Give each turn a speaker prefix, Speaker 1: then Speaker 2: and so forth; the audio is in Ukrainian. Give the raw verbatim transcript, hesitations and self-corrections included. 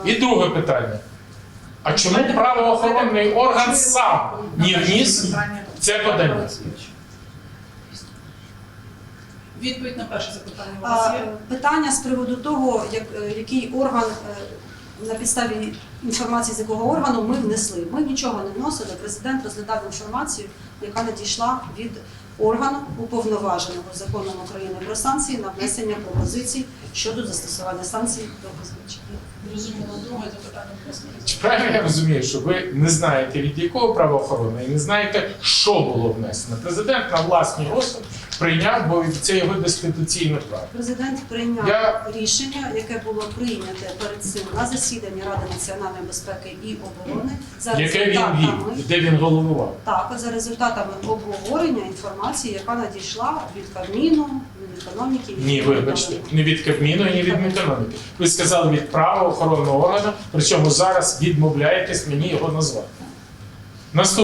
Speaker 1: І друге питання. А чому правоохоронний орган сам не вніс це подання?
Speaker 2: Відповідь на перше запитання у вас
Speaker 3: А,
Speaker 2: є?
Speaker 3: Питання з приводу того, як, е, який орган, е, на підставі інформації з якого органу ми внесли. Ми нічого не вносили. Президент розглядав інформацію, яка надійшла від органу уповноваженого законом України про санкції на внесення пропозицій щодо застосування санкцій до позивача.
Speaker 2: Зрозуміло. Друге запитання, будь ласка.
Speaker 1: Чи правильно я розумію, що ви не знаєте, від якого правоохоронного, і не знаєте, що було внесено? Президент на власний розсуд прийняв, бо це його дискретаційне право.
Speaker 3: Президент прийняв
Speaker 1: Я-
Speaker 3: рішення, яке було прийняте перед цим на засіданні Ради національної безпеки і оборони за
Speaker 1: Яке він
Speaker 3: результатами.
Speaker 1: вів, де він головував.
Speaker 3: Так, за результатами обговорення інформації, яка надійшла від Кабміну, Мінекономіки. від
Speaker 1: Ні, вибачте, не від Кабміну і не від Мінекономіки. Ви сказали від правоохоронного органу, причому зараз відмовляєтесь мені його назвати. Наступне.